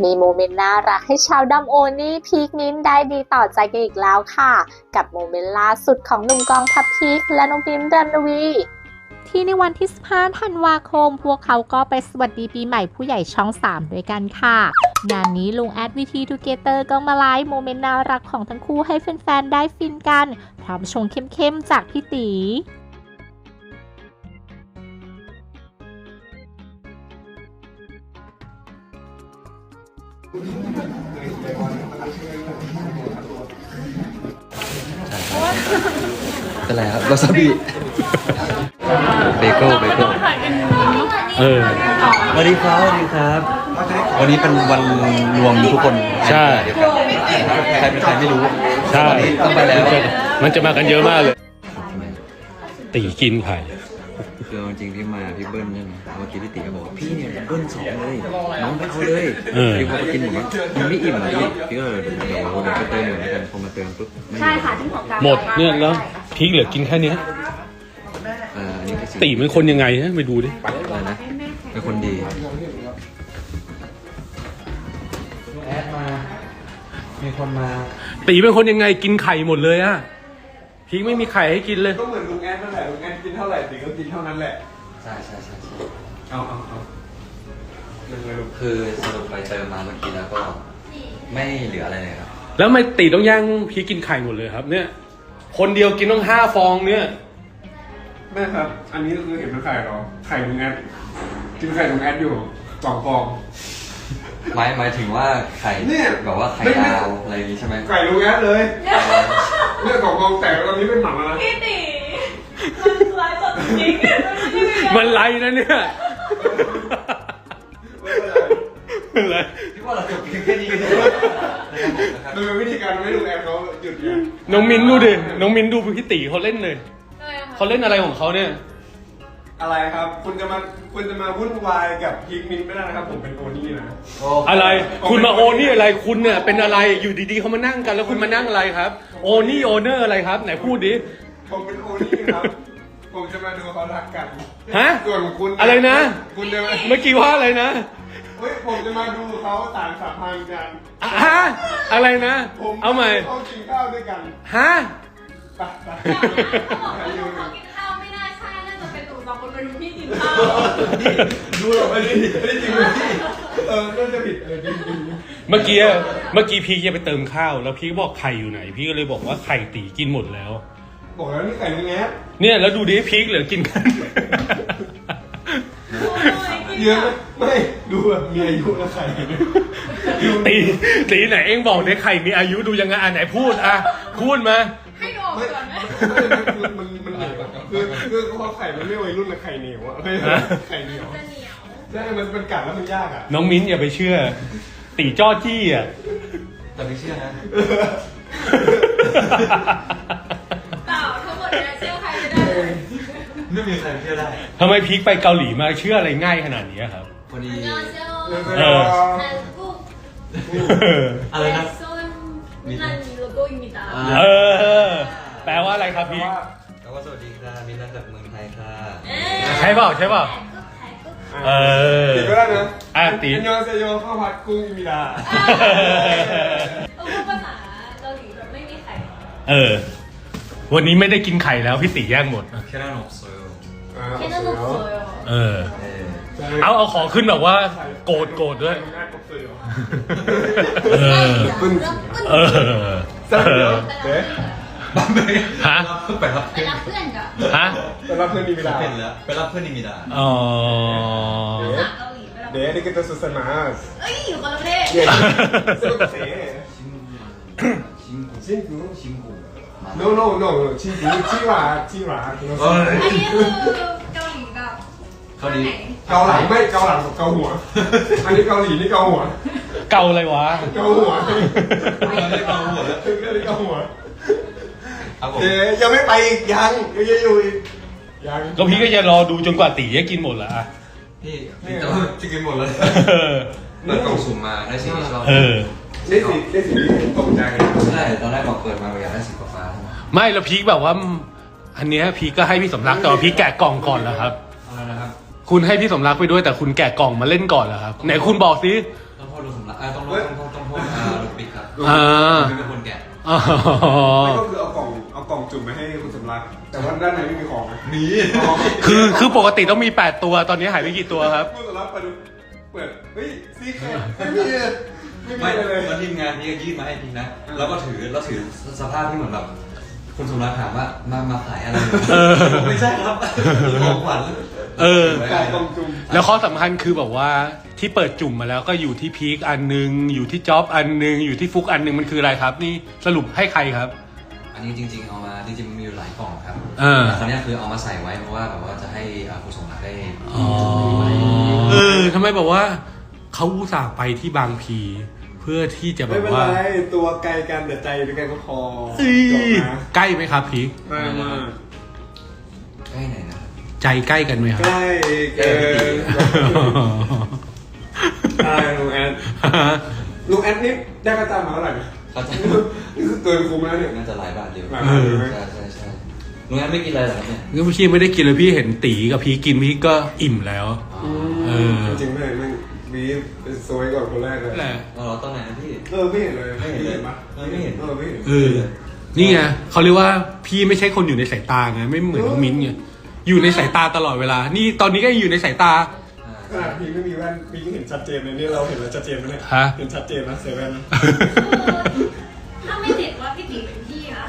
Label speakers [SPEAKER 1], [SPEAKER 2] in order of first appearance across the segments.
[SPEAKER 1] มีโมเมนต์น่ารักให้ชาวดัมโอนี่พีคนิ้นได้ดีต่อใจกันอีกแล้วค่ะกับโมเมนต์ล่าสุดของหนุ่มกองทัพพีคและน้องพิมพ์รันวีที่ในวันที่15 ธันวาคมพวกเขาก็ไปสวัสดีปีใหม่ผู้ใหญ่ช่อง 3 ด้วยกันค่ะงานนี้ลุงแอดวิธีทูเกเตอร์ก็มาไลฟ์โมเมนต์น่ารักของทั้งคู่ให้แฟนๆได้ฟินกันพร้อมชงเข้มๆจากพี่ตี
[SPEAKER 2] เป็นไรครับวาซาบิเบเกิลสวัสดีครับสวัสดีครับ วันนี้เป็นวันรวมทุกคนใช่เดียวกันใครเป็นใครไม่รู้ใช่ต้องไปแล้ว
[SPEAKER 3] มันจะมากันเยอะมากเลยตีกินไข่
[SPEAKER 2] คือจริงที่มาพี่เบิ้ลใช่ไหมเมื่อกี้พี่ตีก็บอกพี่เนี่ยเบิ้ล2เลยน้องไปเอาเลยพี่พอไปกินผมว่ามันไม่อิ่มเลยพี่ก็เดี๋ยวไปเติมเหมือนกันพอมาเติมปุ๊บ
[SPEAKER 4] ใช่ค่ะที่ของการ
[SPEAKER 3] หมดเนี่ยแล้วพีคเหลือกินแค่นี้ตีเป็นคนยังไงฮะไปดูดิ
[SPEAKER 2] อะไรนะเป็นคนดีแอดมามีคนมา
[SPEAKER 3] ตีเป็นคนยังไงกินไข่หมดเลยอะพีคไม่มีไข่ให้กินเลย
[SPEAKER 5] ก็เหมือนลุงแอดนั่นแหละลุงแอดกินเท่าไหร่ตีก็กินเท่านั้นแหละ
[SPEAKER 2] ใช่
[SPEAKER 5] เอา
[SPEAKER 2] คือสรุปไปเติมมาเมื่อกี้แล้วก็ไม่เหลืออะไรเลยครับ
[SPEAKER 3] แล้วไม่ตีต้องย่างพีคกินไข่หมดเลยครับเนี่ยคนเดียวกินต้อง5 ฟองเนี่ย
[SPEAKER 5] แม่ครับอันนี้คือเห็นเป็นไข่หรอไข่ลุงแอดกินไข่ลุงแอดอยู่2 ฟอง
[SPEAKER 2] หมายถึงว่าไข่แบบว่าไข่ดาวอะไรอย่างงี้ใช่ไหม
[SPEAKER 5] ไข่ลุงแอดเลยเนี่ย2 ฟองแต่ตอนนี้เป็นหมันแล้วนะ
[SPEAKER 4] พี่ตีมันไล่สดจริง
[SPEAKER 3] มันไล่นะเนี่ย
[SPEAKER 5] เป็นไร
[SPEAKER 2] พี่ว่าเราจบแค่นี้กัน
[SPEAKER 5] โดยวิธีการไม่ลุงแอดเขาหยุดเนี่ย
[SPEAKER 3] น้องมิ้นดูดิน้องมิ้นดูพี่ตีเขาเล่นเลยเขาเล่นอะไรของเขาเนี่ย
[SPEAKER 5] อะไรครับคุณจะมาวุ่นวายกับพีคมิ้นไม่ได้นะครับผมเป็นโอนี่นะ
[SPEAKER 3] อะไรคุณมาโอนี่อะไรคุณเนี่ยเป็นอะไรอยู่ดีๆเขามานั่งกันแล้วคุณมานั่งอะไรครับโอนี่โอเนอร์อะไรครับไหนพูดดิ
[SPEAKER 5] ผมเป็นโอนี่ครับผมจะมาดูเขารักกัน
[SPEAKER 3] ฮะ
[SPEAKER 5] ส่วนคุณ
[SPEAKER 3] อะไรนะ
[SPEAKER 5] คุณจะ
[SPEAKER 3] เมื่อกี้ว่าอะไรนะ
[SPEAKER 5] เฮ้ยผมจะมาดูเขาสารสัมพันธ์กัน
[SPEAKER 3] ฮะอะไรนะเอาใหม่
[SPEAKER 5] เขากินข้าวด้วยกัน
[SPEAKER 3] ฮะ
[SPEAKER 4] กินข้าวไม่น่าใช่น่าจะเป็นตู่2 คนมาดูพี่กินข้าว
[SPEAKER 5] ดูหรอไม่ได้จริงพี่น่าจะผิดจริง
[SPEAKER 3] เมื่อกี้พี่จะไปเติมข้าวแล้วพี่บอกไข่อยู่ไหนพี่ก็เลยบอกว่าไข่ตีกินหมดแล้ว
[SPEAKER 5] บอกแล้วนี่ไข่ลุงแอด
[SPEAKER 3] เนี่ยแล้วดูดิพีคเหลือกินกัน
[SPEAKER 5] เยอะไม่ดูแบบมีอายุแล้วไข่
[SPEAKER 3] ตีไหนเองบอกเนี่ยไข่มีอายุดูยังไงไหนพูดพูดมา
[SPEAKER 4] ให้ดูก่อนไหม
[SPEAKER 5] มันคือพอไข่มันไม่วัยรุ่นละไข่เหนียวอะไข่เหนียวใช่มันกัดแล้วมันยากอะ
[SPEAKER 3] น้องมิ้นอย่าไปเชื่อตีจ้อจี้อะ
[SPEAKER 2] แต่ไม่เชื่อนะ
[SPEAKER 4] ทั้งหมดเนี่ยเชื่อใครไม่ได้
[SPEAKER 2] ไม่มีใครเชื่อได้
[SPEAKER 3] ทำไมพีคไปเกาหลีมาเชื่ออะไรง่ายขนาดนี้ครับ
[SPEAKER 2] พอดี
[SPEAKER 4] อะไรนะนั่นโลโก้อิมิตา
[SPEAKER 3] แปลว่าอะไรครับพีค
[SPEAKER 2] แปลว่าสวัสดีค่ะมินท์จากเมืองไทยค่ะ
[SPEAKER 3] ใช่เปล่า
[SPEAKER 5] ตีก็ได้นะ
[SPEAKER 3] ตี
[SPEAKER 5] อันยองเซโยข้าวผัดกุ้งอิมิดา
[SPEAKER 4] พูดภาษาเกาหลีแบบไม่มีไข่
[SPEAKER 3] วันนี้ไม่ได้กินไข่แล้วพี่ตีแย่งหมด
[SPEAKER 2] แค่นั้นหนกโซย
[SPEAKER 4] แค่นั้นหนกโซย
[SPEAKER 3] เอาขอขึ้นแบบว่าโกรธด้วยฮะ
[SPEAKER 2] ไปรับเพื่อน
[SPEAKER 4] กับ
[SPEAKER 5] ไปรับเพื่อนนิมิดา
[SPEAKER 2] ไปรับเพื่อนนิมิดา
[SPEAKER 3] อ๋อ
[SPEAKER 5] เดี๋ยวนี่ก็จะสุดสมาส
[SPEAKER 4] อยู่คนละประเทศ
[SPEAKER 5] ชิงกูnoชิงกูจิวาอัน
[SPEAKER 4] นี้คือเกาหลีกับ
[SPEAKER 5] เกาหลังไม่เกาหลังกับเกาหัวอันนี้เกาหลีนี่เกาหัว
[SPEAKER 3] เกาอะไรวะ
[SPEAKER 5] เกาหัวยังไม่ไปอีกยังอยู่อีก
[SPEAKER 3] ยังก็พี่ก็จะรอดูจนกว่าตีจะกินหมดละ
[SPEAKER 2] พี่จะกินหมดเลยเปิดกล่องสุ่มมาได้สีที่ชอบ
[SPEAKER 5] ได้สีตกใจเลย
[SPEAKER 2] ใช่ตอนแรกบอกเปิดมาอยากได้สีฟ้า
[SPEAKER 3] ไม่แล้วพีคแบบว่าอันนี้พีคก็ให้พี่สมรักแต่ว่าพีคแกะกล่องก่อนแล้วครับ
[SPEAKER 2] อะไรนะครับ
[SPEAKER 3] คุณให้พี่สมรักไปด้วยแต่คุณแกะกล่องมาเล่นก่อนเหรอครับไหนคุณบอกสิ
[SPEAKER 2] ต้องโทษลุงสำลักต้องโทษลุงปิ๊กครับเป็นคนแกะ
[SPEAKER 5] ไม่ก็คือเอากล่องจุ่มไปให้คุณสำรักแต่ว่าด้านในไม่มีของมี
[SPEAKER 3] คือปกติต้องมี8ตัวตอนนี้หายไปกี่ตัวครับ
[SPEAKER 5] คุณสำรักเปิดเฮ้ยซีแคทไม่มีเลย
[SPEAKER 2] แล้วทีมงานพี่ก็ยื่นมาให้พี่นะแล้วก็ถือสภาพที่เหมือนแบบคุณสมรักถามว่ามาขายอะไรไม่ใช่ครับของขวัญ
[SPEAKER 5] กล่องจุ่ม
[SPEAKER 3] แล้วข้อสำคัญคือแบบว่าที่เปิดจุ่มมาแล้วก็อยู่ที่พีคอันนึงอยู่ที่จ๊อบอันนึงอยู่ที่ฟุกอันนึงมันคืออะไรครับนี่สรุปให้ใครครับ
[SPEAKER 2] อันนี้จริงๆเอามาจริงๆมันมีอยู่หลายกล่องครับคราวนี้คือเอามาใส่ไว้เพราะว่าแบบว่าจะให้ผู้สมรักได้
[SPEAKER 3] ทำไมแบบว่าเขาอุตส่าห์ไปที่บางพีเพื่อที่จะแบบว่า
[SPEAKER 5] ไม่เป็นไรตัวไกลกันแต่ใจด้วยกันก็พอ
[SPEAKER 3] ใกล้ไหมครับพีค
[SPEAKER 5] ใกล้มาก
[SPEAKER 2] ใกล้ไหนนะ
[SPEAKER 3] ใจใกล้กันไหมครับ
[SPEAKER 5] ใกล้ลุงแอดนี่ได้ค่าจ้างมาเท่าไหร่เนี่ยนี่คือเกินคุ้มแล้วเนี่ย
[SPEAKER 2] น่าจะหลายบาทเดียวใช่ลุงแอดไม่กินอะไรหรอครับเนี่ย
[SPEAKER 3] พี่ไม่ได้กินเลยพี่เห็นตีกับพี่กินพี่ก็อิ่มแล้ว
[SPEAKER 5] จริงๆไม่มีเป็นโซยก่อนคนแรกเลย
[SPEAKER 2] ตอนไหนนะพี่
[SPEAKER 5] ไม่เห็นเลยไม่เห็นปะ
[SPEAKER 2] ไม่เห็น
[SPEAKER 3] นี่ไงเขาเรียกว่าพี่ไม่ใช่คนอยู่ในสายตาไงไม่เหมือนน้องมิ้นไงอยู่ในสายตาตลอดเวลานี่ตอนนี้ก็อยู่ในสายตา
[SPEAKER 5] ขนาดพี่ไม่มีแว่นพี่ก็เห็นชัดเจนเลยนี่เราเห็นแล้วชัดเจนไหมเนี่ยเห็นชัดเจนนะเซเว่นนะ
[SPEAKER 4] ถ้าไม่เห็นว่าพี่ตีเป็นพี่นะ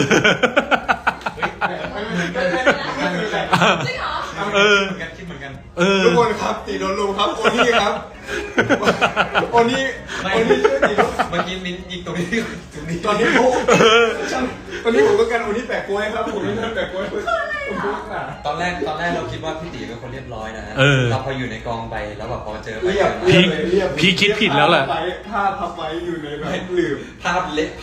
[SPEAKER 4] จริงเหรอ
[SPEAKER 2] คิดเหมือนกัน
[SPEAKER 5] ทุกคนครับตีโดนลุงครับโอนี่ครับโอนี่ช่วยตีลุง
[SPEAKER 2] เมื่อกี้มิ้นยิงตรงนี้
[SPEAKER 5] ตอนนี้ผมต้องการโอนี่แปะกล้วยครับผมไม่ได้แปะกล้วย
[SPEAKER 2] ตอนแรกเราคิดว่าพี่ตีเป็นคนเรียบร้อยนะเราพออยู่ในกองไปแล้วแบบพอเจอ
[SPEAKER 3] พี่คิดผิดแล้วแหละ
[SPEAKER 5] ผ้าพับไว้อยู่ในแบบหลืบ
[SPEAKER 2] ผ้าเละ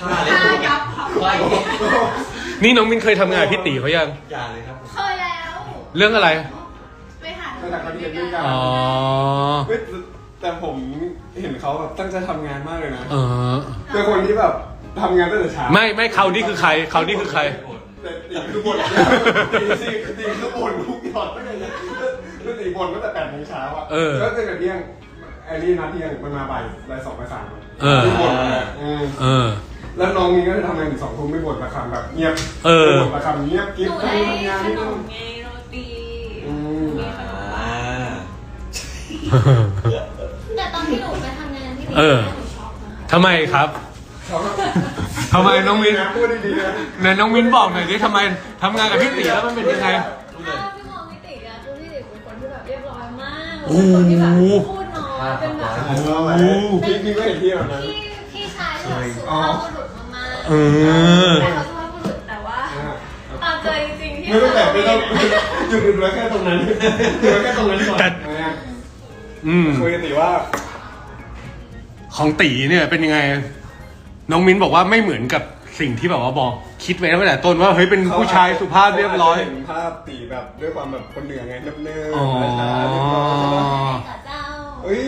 [SPEAKER 3] นี่น้องมิ้นเคยทำงานพี่ตีเขายัง
[SPEAKER 2] อย่าเลยครับ
[SPEAKER 4] เคยแล้ว
[SPEAKER 3] เรื่องอะไร
[SPEAKER 4] ไปหา
[SPEAKER 5] เขาเรียนด้วยกันแต่ผมเห็นเขาแบบตั้งใจทำงานมากเลยนะเป็นคนที่แบบทำงานตั้งแต่เช้า
[SPEAKER 3] ไม่เขานี่คือใคร
[SPEAKER 5] แต่ตีคือบนตีคือบนทุกหยอดไม่เลยนะตีบนตั้งแต่8 โมงเช้าอ่ะก็ตั้งแต่เที่ยงไอ้นี่นัดเที่ยงมันมาบ่าย2 บ่าย 3ไม่บ่นแล้วน้องนี้ก็จะทำงานถึง2 ทุ่มไม่บ่นประคำแบบเงียบบ่นประคำเงียบกิ๊บทำงาน
[SPEAKER 4] นี่ต้องไงโรตีแต่ตอนที่หนูไปทำงานที่นี่หนูช็อกนะ
[SPEAKER 3] ทำไมครับทำไมน้องมิ้น
[SPEAKER 5] พูดดีๆนะ
[SPEAKER 3] ไหนน้องมิ้นบอกหน่อยดิทำไมทำงานกับพี่ตีแล้วมันเป็นยังไง
[SPEAKER 4] พี่มองพี่ตีอะคือพี่ตีเป็นคนที่แบบเรียบร้อยมากเป็นคนที่แบบพูดน้อยเป็นแบบ
[SPEAKER 5] พี่ก็เห็นที่แบบนั้น
[SPEAKER 4] พี่ชายที่แบบสุภาพบุรุษมากๆแต่เขาสุภาพบุรุษแต่ว่าตามใจจริงๆที่
[SPEAKER 5] ไม่ต้องแต่ไม่ต้องหยุดไว้แค่ตรงนั้นแค่ตรงนั้นก่อนคุยกันตีว่า
[SPEAKER 3] ของตีเนี่ยเป็นยังไงน้องมิ้นบอกว่าไม่เหมือนกับสิ่งที่แบบว่าบอกคิดไว้ตั้งแต่ต้นว่าเฮ้ยเป็นผู้ชายสุภาพเรียบร้อย
[SPEAKER 5] เห็นภาพตีแบบด้วยความแบบคนเหนือไงเนิบๆเฮ้ย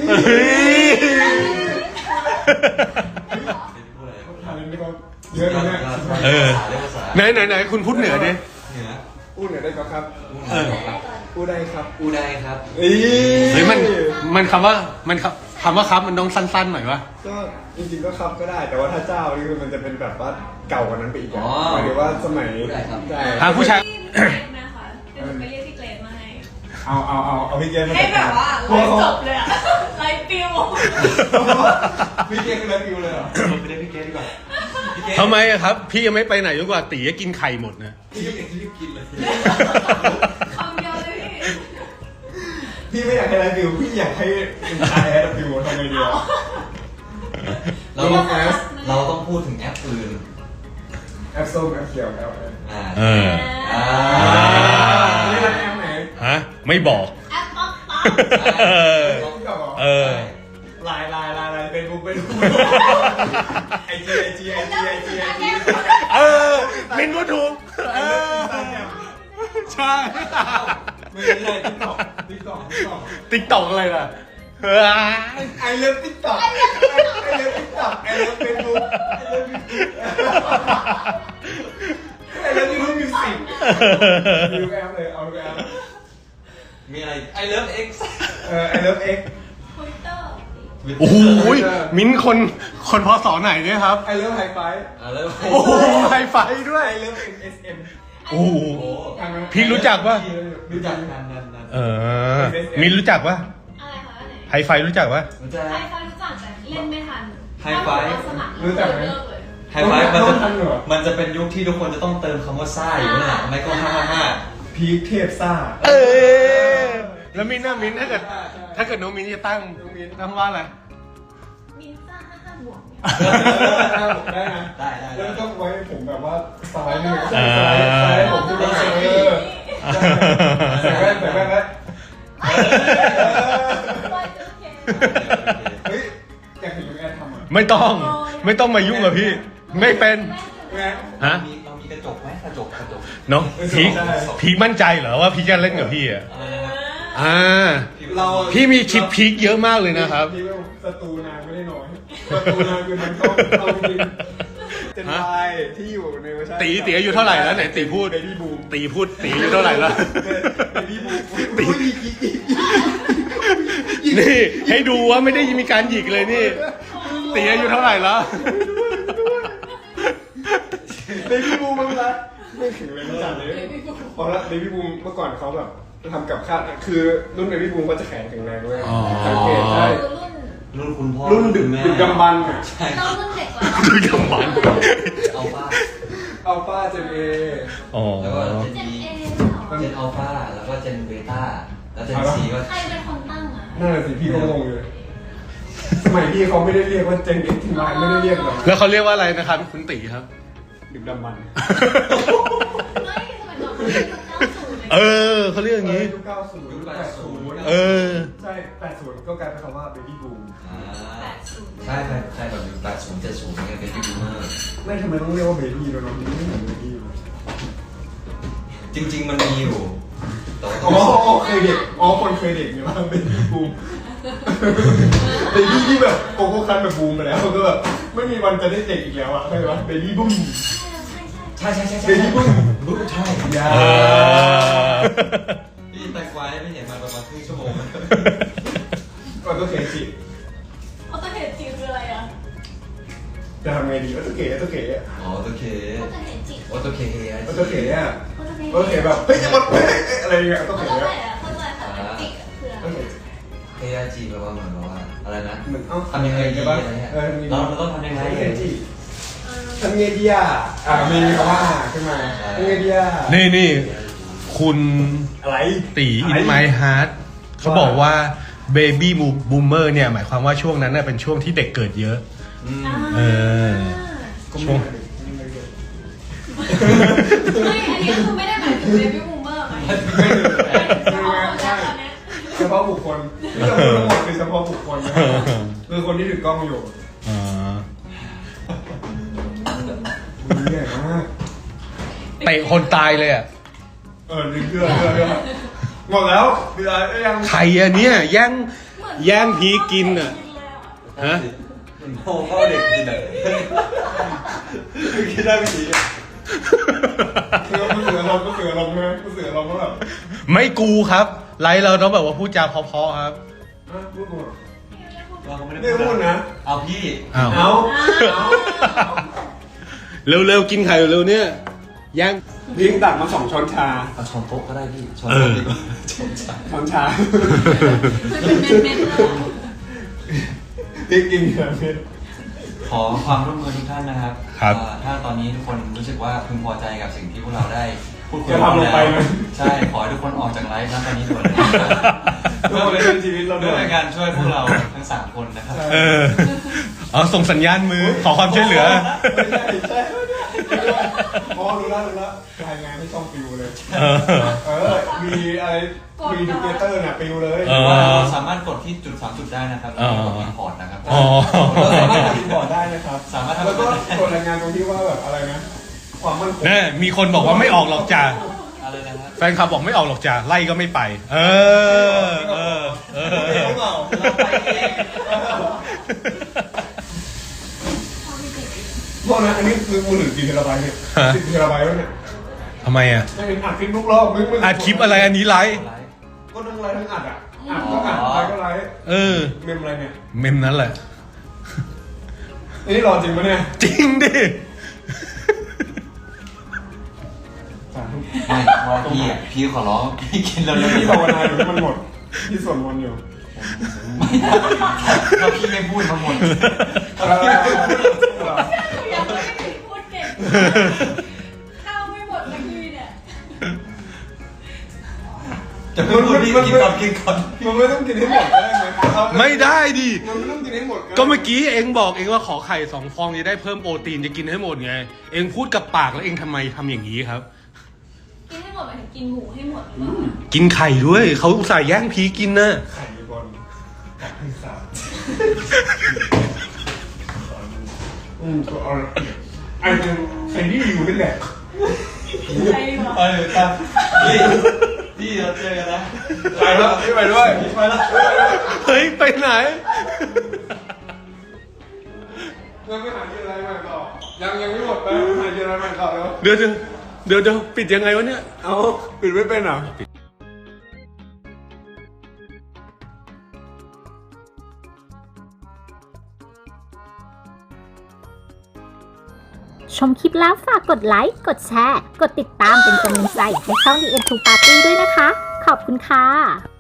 [SPEAKER 5] เยอะ
[SPEAKER 3] นะไหนคุณพูดเหนือดิ
[SPEAKER 5] พูดเหนือได้ครับพูดได้ครับ
[SPEAKER 3] เฮ้ยมันคำว่าครับมันต้องสั้นๆหน่อยวะ
[SPEAKER 5] ก็จริงๆก็ครับก็ได้แต่ว่าถ้าเจ้านี่มันจะเป็นแบบว่าเก่ากว่านั้นไปอีกหมายถึงว่าสมัย
[SPEAKER 3] ทางผู้ชาย
[SPEAKER 4] นะคะเดี๋ยวไปเรียกพี่เกรดมาให้
[SPEAKER 5] เอาพี่เกรดมา
[SPEAKER 4] ให้แบบว่าไลฟ์จบเลยอะไลฟ์ปิว
[SPEAKER 5] พี่เกรดคือไลฟ์ปิวเลยเหรอไปเรียกพี่เกรดดีกว่า
[SPEAKER 3] ทำไมครับพี่ยังไม่ไปไหนจนกว่าตีจะกินไข่หมดนะ
[SPEAKER 5] พี่กินเลย
[SPEAKER 4] คำเดียวเลย
[SPEAKER 5] พี่ไม่อยากให้ไลฟ์ปิวพี่อยากให้เป็นชายไลฟ์ปิวทำไงดี
[SPEAKER 2] เราต้องพูดถึงแอปอื่น
[SPEAKER 5] แอปส้มแอปเขียวแอปนี่รักแอปไหน
[SPEAKER 3] ฮะไม่บอก
[SPEAKER 4] แอปป๊อป
[SPEAKER 5] ไลน์เป็นบุ๊กไอจี
[SPEAKER 3] มินพูดถูกใช่
[SPEAKER 5] ไม่ใช่
[SPEAKER 3] ติ๊กต็อกอะไรล่ะ
[SPEAKER 5] ไอเลิฟติ๊กต็อกไอเลิฟเฟซบุ๊กไอเลิฟยูทูบมิวสิกดูแอปเลยเอาดูแอป
[SPEAKER 2] มีอะไรไอเลิฟเอ็กซ์
[SPEAKER 5] ไอเลิฟเอ็กซ์
[SPEAKER 4] ทวิตเตอร์
[SPEAKER 3] โอ้โหมิ้นท์คนพศไหนเนี่ยครับ
[SPEAKER 5] ไอเลิฟไฮไฟ
[SPEAKER 2] แล้ว
[SPEAKER 3] โอ้โหไฮไฟด้วย
[SPEAKER 5] ไอเลิฟSM
[SPEAKER 3] โอ้โหพี่รู้จักปะ
[SPEAKER 2] รู้จักนั่น
[SPEAKER 3] มิ้นท์รู้จักปะ
[SPEAKER 4] อะไรคะอันไหน
[SPEAKER 3] ไฮไฟรู้จักปะ
[SPEAKER 2] รู้จัก
[SPEAKER 4] ไฮไฟรู้จักแต่เล่นไม่ทัน
[SPEAKER 2] ไฮไฟ
[SPEAKER 4] สมัคร
[SPEAKER 5] รู้จักไหม
[SPEAKER 4] เลิกเลย
[SPEAKER 2] ไฮไฟมันจะเป็นยุคที่ทุกคนจะต้องเติมคำว่าซ่าอยู่นั่นแหละไม่ก็555
[SPEAKER 5] พีคเทพซ่า
[SPEAKER 3] แล้วมิ้นท์นะมิ้นท์ถ้าเกิดน้องมิ้นท์จะตั้งว่าอะไร
[SPEAKER 4] มินซ่า55บวก
[SPEAKER 5] ได้นะ
[SPEAKER 2] ได้
[SPEAKER 5] แล้วต้องไว้ผมแบบว่าสไลด์หนึ่ง
[SPEAKER 3] อ่า
[SPEAKER 5] สไลด์ผมที่เป็นใส่แว่นแล้วเฮ้ยอยากเห็นลุงแอนทำอ่ะ
[SPEAKER 3] ไม่ต้องมายุ่งกับพี่ ไม่เป็น
[SPEAKER 5] แอน
[SPEAKER 3] ฮะ
[SPEAKER 2] เรามีกระจกไหมกระจก
[SPEAKER 3] เนาะพีคมั่นใจเหรอว่าพี่จะเล่นกับพี่อ่ะ
[SPEAKER 5] เรา
[SPEAKER 3] พี่มีคลิปพีคเยอะมากเลยนะครับ
[SPEAKER 5] พี่ว่าศัตรูนางไม่ได้น้อยศัตรูนางคือมันต้องเอาจริงเจนไฟที่อยู่ในเวอร์ชัน
[SPEAKER 3] ตีอายุเท่าไหร่แล้วไหนตีพูด
[SPEAKER 5] เบบี้บูม
[SPEAKER 3] ตีอายุเท่าไหร่แล้ว
[SPEAKER 5] เบบี้บูม
[SPEAKER 3] ตี นี่ให้ดูว่าไม่ได้มีการหยิกเลยนี่ ตีอายุเท่าไหร่แล้ว
[SPEAKER 5] เบบี้บูมมั้งละไม่ถึงเลยจัดเลยพอละเบบี้บูมเมื่อก่อนเขาแบบทำกับข้าวคือรุ่นเบบี้บูมก็จะแข็งแข็งแรงด้วยสังเกตใช่
[SPEAKER 4] คือรุ่น
[SPEAKER 2] รุ่นคุณพ่อ
[SPEAKER 5] รุ่นดึกดำบรรพ์อ่ะ
[SPEAKER 4] เรารุ่นเด็กกว่า
[SPEAKER 3] ดูกำมัน
[SPEAKER 2] อัลฟา
[SPEAKER 5] อัลฟาเจนเอ
[SPEAKER 3] อ๋อ
[SPEAKER 2] แล้วก็เจน
[SPEAKER 4] เจน
[SPEAKER 2] บี
[SPEAKER 4] เอ
[SPEAKER 2] เจนอัลฟาแล้วก็เจนเบต้าแล้วเจนซีก็
[SPEAKER 4] ใครเป็นคนตั้งอ่ะ
[SPEAKER 5] นั่นแหละสิพี่ก็งงเลยสมัยพี่เขาไม่ได้เรียกว่าเจนเอ็กซ์ทีมายไม่ได้เรียกแบบ
[SPEAKER 3] แล้วเขาเรียกว่าอะไรนะครับคุณตีครับ
[SPEAKER 5] ดึกดำบรรพ์
[SPEAKER 4] ไม่สมัยก่อนเขาเรียก90
[SPEAKER 3] เออเขาเรียกอย่างนี้
[SPEAKER 5] ยุค90ยุค80
[SPEAKER 3] เออ
[SPEAKER 5] ใช่80ก็กลายเป็นคำว่าเบบี้บูม
[SPEAKER 2] ใช่แบบยุค80 70เนี่ยเป็นยูทูบเบอร์
[SPEAKER 5] ไม่ทำไมต้องเรียกว่าเบบี้ด้วยเนาะมันไม่เหมือนเบบี้เลย
[SPEAKER 2] จริงๆมันมีอยู่แต่ว่า
[SPEAKER 5] อ๋อเคยเด็กคนเคยเด็กเนี่ยว่าเบบี้บูมเบบี้ที่แบบโกโก้คันแบบบูมไปแล้วก็แบบไม่มีวันจะได้เด็กอีกแล้วอะเข้าใจปะเบบี้บูม
[SPEAKER 2] ใช่
[SPEAKER 5] เบบี้บูม
[SPEAKER 2] บุ๊กใช่
[SPEAKER 5] ยา
[SPEAKER 2] พี่แตงกวาไม่เห็นมาประมาณครึ่งชั่วโมง
[SPEAKER 5] ก็ต้องเคจิ
[SPEAKER 4] เขาจะเห็นจีคืออะไรอ่ะ
[SPEAKER 5] จะทำไงดีก็ต้องเก๋อะ
[SPEAKER 2] อ๋อโอเค
[SPEAKER 4] เขาจะเห็นจี
[SPEAKER 2] โอโตเค
[SPEAKER 5] ก็ต้องเก๋อะ
[SPEAKER 4] เขาจะเห็น
[SPEAKER 5] ก็เก๋แบบเฮ้ยจะหมดเฮ้ยอะไรอย่างเงี้ยต้อง
[SPEAKER 4] เขา
[SPEAKER 5] เก๋
[SPEAKER 4] จะ
[SPEAKER 5] อะ
[SPEAKER 4] อะไรอ่ะเขาจะค่ะจิกคืออะไร
[SPEAKER 5] ต้องเก๋
[SPEAKER 2] เคจีแปลว่าเหมือนว่าอะไรนะ
[SPEAKER 5] เหมือนเอ้า
[SPEAKER 2] ทำยังไงดี
[SPEAKER 5] บ้า
[SPEAKER 2] อะไรเงี้ย
[SPEAKER 5] เรา
[SPEAKER 2] เราต้องทำยังไง
[SPEAKER 5] เคจิทำไงดีอ่ะมีคำว่าขึ้นมาทำไงดีอ่ะ
[SPEAKER 3] นี่คุณ
[SPEAKER 5] อะไร
[SPEAKER 3] ตีอินไมฮาร์ดเขาบอกว่าเบบี้บูมเมอร์เนี่ยหมายความว่าช่วงนั้นน่ะเป็นช่วงที่เด็กเกิดเยอะ เออ ช่วง
[SPEAKER 4] ไม่อันนี้คือไม่ได้หมายถึงเบบี้บูมเมอร์หมายถึง
[SPEAKER 5] เฉพาะบุคคลที่เราพูดทั้งหมดคือเฉพาะบุคคลนะคือคนที่ถือกล้องอยู่
[SPEAKER 3] อ่า
[SPEAKER 5] มันใหญ่มาก
[SPEAKER 3] เตะคนตายเลยอ่ะ
[SPEAKER 5] เดือดหมดแล้วเดือดยัง
[SPEAKER 3] ใครอะเนี่ยแย่งพีกินอ่ะ ฮะ
[SPEAKER 2] โง่เข้าเด็กกินเลยคิดได้ไม่ดี
[SPEAKER 5] คือมันเสือลมก็เสือลมใช่ไหมก็เสือลมก็แบบ
[SPEAKER 3] ไม่กูครับ ไลฟ์เราต้องแบบว่าพูดจาเพราะๆครับ
[SPEAKER 5] พูดหมด
[SPEAKER 2] เราก็ไม่ได้
[SPEAKER 5] ไม่พูดนะ
[SPEAKER 2] เอาพี่
[SPEAKER 3] อ้าว
[SPEAKER 5] เอา
[SPEAKER 3] เร็วๆกินไข่เร็วๆเนี่ยแย่ง
[SPEAKER 5] พิงตักมา2 ช้อนชา
[SPEAKER 2] เอาช้อนโต๊ะก็ได้พี่ช้อนโต๊ะดีกว่าช้อนชา
[SPEAKER 4] มันเป็นเม็ดๆเลย
[SPEAKER 5] พิงกินเยอะเม็ด
[SPEAKER 2] ขอความร่วมมือทุกท่านนะครับ
[SPEAKER 3] ครับ
[SPEAKER 2] ถ้าตอนนี้ทุกคนรู้สึกว่าพึงพอใจกับสิ่งที่พวกเราได้พูดคุย
[SPEAKER 5] จะทำลงไปไหม
[SPEAKER 2] ใช่ขอให้ทุกคนออกจากไลฟ์นะตอนนี้ด่วนเลย
[SPEAKER 5] เพื่อเป็นชีวิตเรา
[SPEAKER 2] เพื่
[SPEAKER 5] ด้
[SPEAKER 2] อ
[SPEAKER 5] วย
[SPEAKER 2] เป็นการช่วยพวกเราทั้ง3คนนะครับ
[SPEAKER 3] เออเอาส่งสัญญาณมือขอความช่วยเหลือ
[SPEAKER 5] ใช่อ๋อรู้แล้วรายงานให้ช่องปิวเลย มีอะไรมีดูเกเตอร์น่ะปิวเลย
[SPEAKER 3] เออ
[SPEAKER 2] ว่าเราสามารถกดที่จุด3จุดได้นะครับแล้วก็กดอินพอร์ตนะครับ
[SPEAKER 3] อ๋อ
[SPEAKER 5] เราสามารถอินพอร์ตได้นะครับ
[SPEAKER 2] สามารถทำ
[SPEAKER 5] แล้วก็กดรายงานตรงที่ว่าแบบอะไรนะ ความมั่นคง
[SPEAKER 3] แน่มีคนบอกว่าไม่ออกหรอกจ้า
[SPEAKER 2] อะไรนะครับ
[SPEAKER 3] แฟนคลับบอกไม่ออกหรอกจ้าไล่ก็ไม่ไป เออ
[SPEAKER 2] เราไปเอง
[SPEAKER 5] โทษนะอันนี้คือมือถือกี่เทราไบต์เนี่ย10 เทราไบต์แล้วเนี่ย
[SPEAKER 3] ทำไมอ่ะ
[SPEAKER 5] ไม่เห็นอัดคลิปทุกรอบมึง
[SPEAKER 3] อัดคลิปอะไรอันนี้ไลฟ์
[SPEAKER 5] ก็ทั้งไลฟ์ทั้งอัดอ่ะ
[SPEAKER 4] ม
[SPEAKER 5] ใครก็ไลฟ์
[SPEAKER 3] เออ
[SPEAKER 5] เมมอะไรเนี่ย
[SPEAKER 3] เมมนั้นแหละ
[SPEAKER 5] นี่รอจริงปะเนี่ย
[SPEAKER 3] จริงดิ
[SPEAKER 2] ไม่ว่าพี่ขอร้องพี่กินแล้ว
[SPEAKER 5] พี่ภาวนาอยู่มันหมดพี่สวดมนต์อยู่
[SPEAKER 2] ถ้าพี่ไม่พูดมาหมด
[SPEAKER 4] ยังไม่ถึงพูดเก่งข้าวไม่หมดสักทีเนี่ย
[SPEAKER 2] จะไม่พูดพี่กินก่อน
[SPEAKER 5] มันไม่ต้องกินให้หมดก็ได้ไหม
[SPEAKER 3] ไม่ได้ดิ
[SPEAKER 5] มันไม่ต้องกินให้หมด
[SPEAKER 3] ก็เมื่อกี้เองบอกเองว่าขอไข่2 ฟองจะได้เพิ่มโปรตีนจะกินให้หมดไง เองพูดกับปากแล้วเองทำไมทำอย่างนี้ครับ
[SPEAKER 4] กินให้หมดหมายถึงกินหมูให้หมดหรือเปล่า
[SPEAKER 3] กินไข่ด้วยเขาอุตส่าห์แย่งพีกินนะ
[SPEAKER 5] ไข่บอลกับพิซซ่าก็เอาไอ้เป็นไอ้ที่อยู่นี่แหละ
[SPEAKER 4] ใช่หรอ
[SPEAKER 2] ครับพี่เราเจอกันนะ
[SPEAKER 5] ไปแล้วพี่ไปด้วย
[SPEAKER 2] ไปแล้ว
[SPEAKER 3] เฮ้ยไปไหน
[SPEAKER 5] ยังไม่หากินอะไรใหม่ต่อยังไม่หมดไปหากินอะไรใหม่ต่อแล้ว
[SPEAKER 3] เดี๋ยวปิดยังไงวะเนี่ย
[SPEAKER 5] เอาปิดไม่เป็นเหรอ
[SPEAKER 1] ชมคลิปแล้วฝากกดไลค์ กดแชร์ กดติดตามเป็นกำลังใจให้ช่อง The End to Party ด้วยนะคะ ขอบคุณค่ะ